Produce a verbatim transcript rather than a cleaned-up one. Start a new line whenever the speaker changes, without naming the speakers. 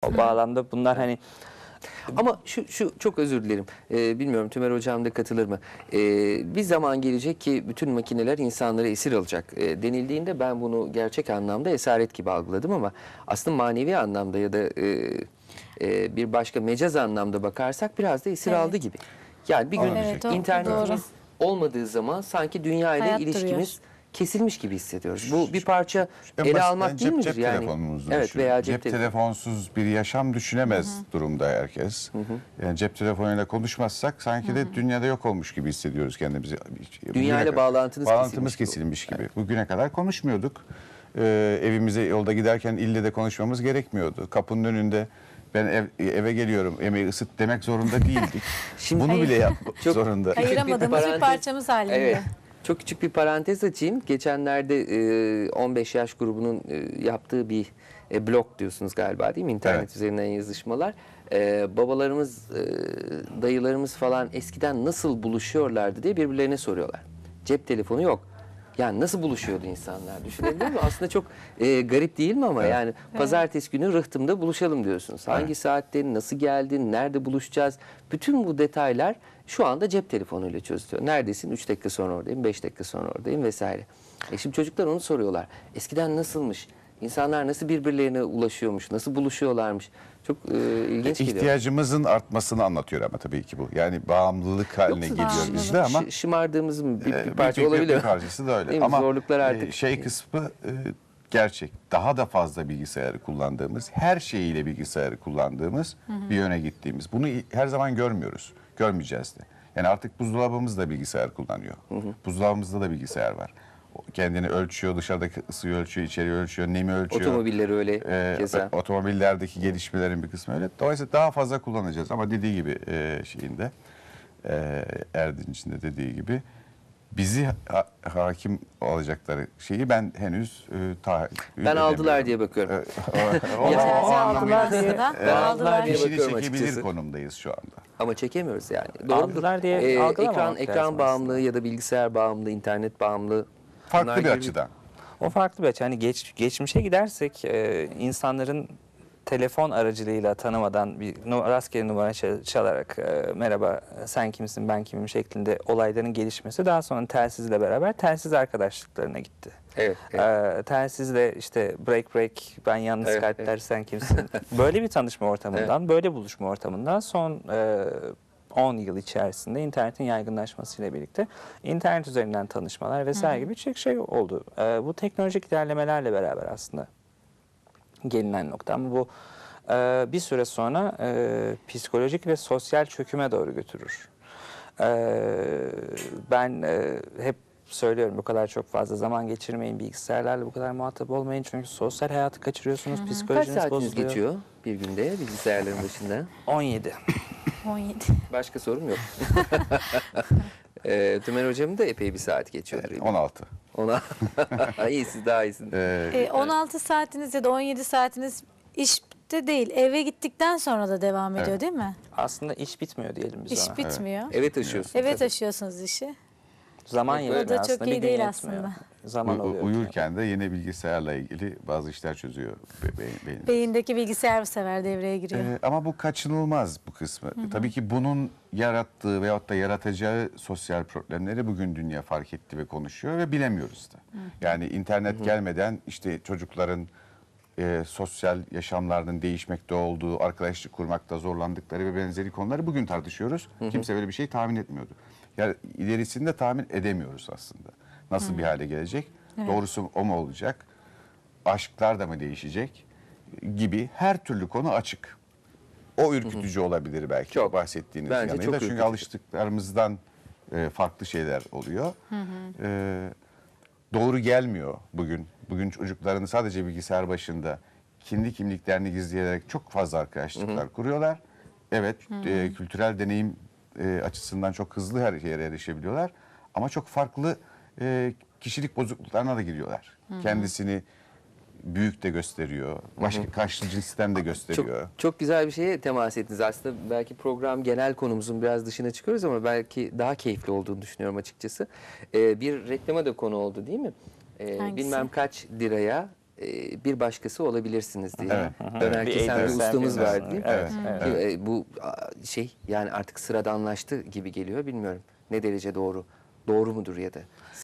O bağlamda bunlar hani
Ama şu, şu çok özür dilerim. Ee, bilmiyorum Tümer Hocam da katılır mı? Ee, bir zaman gelecek ki bütün makineler insanları esir alacak. Ee, denildiğinde ben bunu gerçek anlamda esaret gibi algıladım ama aslında manevi anlamda ya da e, e, bir başka mecaz anlamda bakarsak biraz da esir
Evet.
aldı gibi. Yani bir gün
Evet, o-
internetimiz olmadığı zaman sanki dünya ile
Hayat
ilişkimiz
duruyor.
kesilmiş gibi hissediyoruz. Bu bir parça
En
ele
basitinden
almak değil
cep,
midir
cep
yani?
telefonumuzu
Evet
düşünün.
veya
cep,
cep, telefonu.
telefonsuz bir yaşam düşünemez durumda herkes. Yani cep telefonuyla konuşmazsak sanki de dünyada yok olmuş gibi hissediyoruz kendimizi.
Dünya ile
Bugüne-
bağlantınız
bağlantımız
kesilmiş gibi.
kesilmiş gibi. Bugüne kadar konuşmuyorduk. Ee, evimize yolda giderken ille de konuşmamız gerekmiyordu. Kapının önünde ben ev, eve geliyorum yemeği ısıt demek zorunda değildik.
Şimdi-
Bunu bile
Hayır.
yapmak
Çok-
zorunda.
Hayır.
Ayıramadığımız bir
parantez-
parçamız halinde.
Evet. Çok küçük bir parantez açayım. Geçenlerde e, on beş yaş grubunun e, yaptığı bir e, blog diyorsunuz galiba değil mi? İnternet
Evet.
üzerinden yazışmalar. E, babalarımız, e, dayılarımız falan eskiden nasıl buluşuyorlardı diye birbirlerine soruyorlar. Cep telefonu yok. Yani nasıl buluşuyordu insanlar düşünebiliyor musun? Aslında çok e, garip değil mi ama
Evet.
yani pazartesi günü Rıhtım'da buluşalım diyorsunuz. Hangi
Evet.
saatte, nasıl geldin, nerede buluşacağız? Bütün bu detaylar şu anda cep telefonuyla çözülüyor. Neredesin? üç dakika sonra oradayım, beş dakika sonra oradayım vesaire. E şimdi çocuklar onu soruyorlar. Eskiden nasılmış? İnsanlar nasıl birbirlerine ulaşıyormuş? Nasıl buluşuyorlarmış? Çok e, ilginç geliyor.
İhtiyacımızın artmasını anlatıyor ama tabii ki bu. Yani bağımlılık haline
Yoksa
geliyor
bağımlılık.
bizde ama
Şı- şımardığımızın bir,
e,
bir parça
bir- bir-
olabilir.
Bir parçası da öyle.
Değil mi?
Ama
Zorluklar
e,
artık.
şey kısmı e, gerçek. Daha da fazla bilgisayarı kullandığımız, her şeyiyle bilgisayarı kullandığımız bir yöne gittiğimiz. Bunu her zaman görmüyoruz. Görmeyeceğiz de. Yani artık buzdolabımız da bilgisayar kullanıyor. Buzdolabımızda da bilgisayar var. O kendini ölçüyor, dışarıdaki ısıyı ölçüyor, içeriği ölçüyor, nemi ölçüyor.
Otomobilleri öyle
Ee,
keza.
Otomobillerdeki gelişmelerin bir kısmı öyle. Dolayısıyla daha fazla kullanacağız ama dediği gibi e, şeyinde e, Erdinç'in de dediği gibi bizi ha- hakim olacakları şeyi ben henüz e, tahayyül
Ben aldılar diye bakıyorum.
o, o,
Cihazı
o
aldılar
anlamıyla
diye.
Ben aldılar
Aldılar
diye
diye.
fişini
bakıyorum
çekebilir
açıkçası.
konumdayız şu anda.
Ama çekemiyoruz yani. Doğru
Aldılar diye algılamamak
ekran
lazım
ekran
aslında.
bağımlılığı ya da bilgisayar bağımlılığı, internet bağımlılığı. bunlar
Farklı bir
gibi-
açıdan.
o farklı bir açı. Hani geç, geçmişe gidersek e, insanların telefon aracılığıyla tanımadan bir nu- rastgele numara çal- çalarak e, merhaba sen kimsin ben kimim şeklinde olayların gelişmesi daha sonra telsizle beraber telsiz arkadaşlıklarına gitti.
Evet. evet.
Ee, telsizle işte break break ben yalnız
Evet,
kalpler
evet.
sen kimsin? Böyle bir tanışma ortamından, böyle buluşma ortamından son e, on yıl içerisinde internetin yaygınlaşmasıyla birlikte internet üzerinden tanışmalar vesaire gibi birçok şey oldu. Ee, bu teknolojik ilerlemelerle beraber aslında gelinen nokta ama bu e, bir süre sonra e, psikolojik ve sosyal çöküme doğru götürür. Ee, ben e, hep söylüyorum bu kadar çok fazla zaman geçirmeyin bilgisayarlarla bu kadar muhatap olmayın çünkü sosyal hayatı kaçırıyorsunuz,
Kaç
psikolojiniz
saatiniz
bozuluyor.
geçiyor bir günde bilgisayarların başında?
on yedi.
on yedi.
Başka sorum yok. e, Tümer Hocam'ın da epey bir saat geçiyordur.
on altı.
Ona iyi siz daha iyisiniz.
Ee,
E, on altı saatiniz ya da on yedi saatiniz işte değil. Eve gittikten sonra da devam ediyor
Evet.
değil mi?
Aslında iş bitmiyor diyelim biz
İş
ona.
bitmiyor.
Eve taşıyorsunuz.
Eve
tabii.
taşıyorsunuz işi.
Zaman
O
yetmiyor
da çok
aslında.
iyi
bir gün
değil
yetmiyor.
aslında.
Zaman
u-
oluyor.
uyurken de yine bilgisayarla ilgili bazı işler çözüyor be- beyin. beyin.
Beyindeki bilgisayar bu sefer devreye giriyor.
Ee, ama bu kaçınılmaz bu kısmı. Tabii ki bunun yarattığı veyahut da yaratacağı sosyal problemleri bugün dünya fark etti ve konuşuyor ve bilemiyoruz da. Yani internet gelmeden işte çocukların e, sosyal yaşamlarının değişmekte olduğu, arkadaşlık kurmakta zorlandıkları ve benzeri konuları bugün tartışıyoruz. Kimse böyle bir şey tahmin etmiyordu. Yani ilerisinde tahmin edemiyoruz aslında. Nasıl bir hale gelecek? Doğrusu o mu olacak? Aşklar da mı değişecek? Gibi her türlü konu açık. O ürkütücü olabilir belki
Çok.
bahsettiğiniz
Bence
yanıyla.
çok
Çünkü
ürkütücü.
alıştıklarımızdan e, farklı şeyler oluyor. E, doğru gelmiyor bugün. Bugün çocukların sadece bilgisayar başında kendi kimliklerini gizleyerek çok fazla arkadaşlıklar kuruyorlar. Evet, e, kültürel deneyim e, açısından çok hızlı her yere erişebiliyorlar. Ama çok farklı e, kişilik bozukluklarına da giriyorlar. Kendisini büyük de gösteriyor. Başka karşı cinsten de gösteriyor.
Çok, çok güzel bir şeye temas ettiniz. Aslında belki program genel konumuzun biraz dışına çıkıyoruz ama belki daha keyifli olduğunu düşünüyorum açıkçası. Ee, bir reklama da konu oldu değil mi? Ee,
Hangisi?
bilmem kaç liraya e, bir başkası olabilirsiniz diye.
Evet.
Dönerki
Bir
sen bir
eğitimsel
ustamız
bir-
vardı değil mi?
Evet, evet.
Ki, e, bu a, şey yani artık sıradanlaştı gibi geliyor bilmiyorum ne derece doğru. Doğru mudur ya da?